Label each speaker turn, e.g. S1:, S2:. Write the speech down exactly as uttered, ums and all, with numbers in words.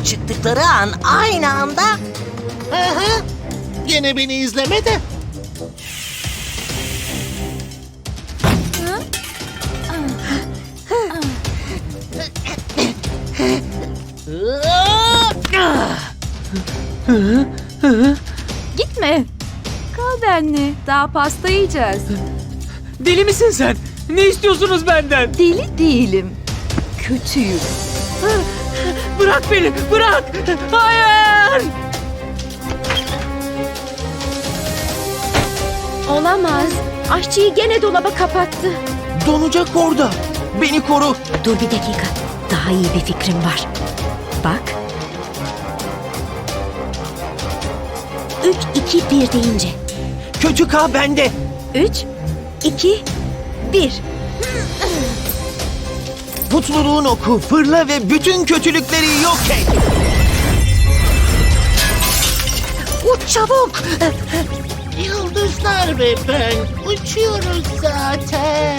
S1: çıktıkları an aynı anda...
S2: Aha, gene beni izleme de.
S3: Gitme. Kal benle. Daha pasta yiyeceğiz.
S4: Deli misin sen? Ne istiyorsunuz benden?
S3: Deli değilim. Kötüyüm.
S4: Bırak beni, bırak! Hayır!
S5: Olamaz. Aşçıyı gene dolaba kapattı.
S6: Donacak orada. Beni koru.
S5: Dur bir dakika. Daha iyi bir fikrim var. Bak. Üç, iki, bir deyince.
S6: Kötü K bende.
S5: Üç, iki, bir.
S6: Mutluluğun oku, fırla ve bütün kötülükleri yok et.
S1: Uç çabuk!
S2: Yıldızlar ve ben uçuyoruz zaten.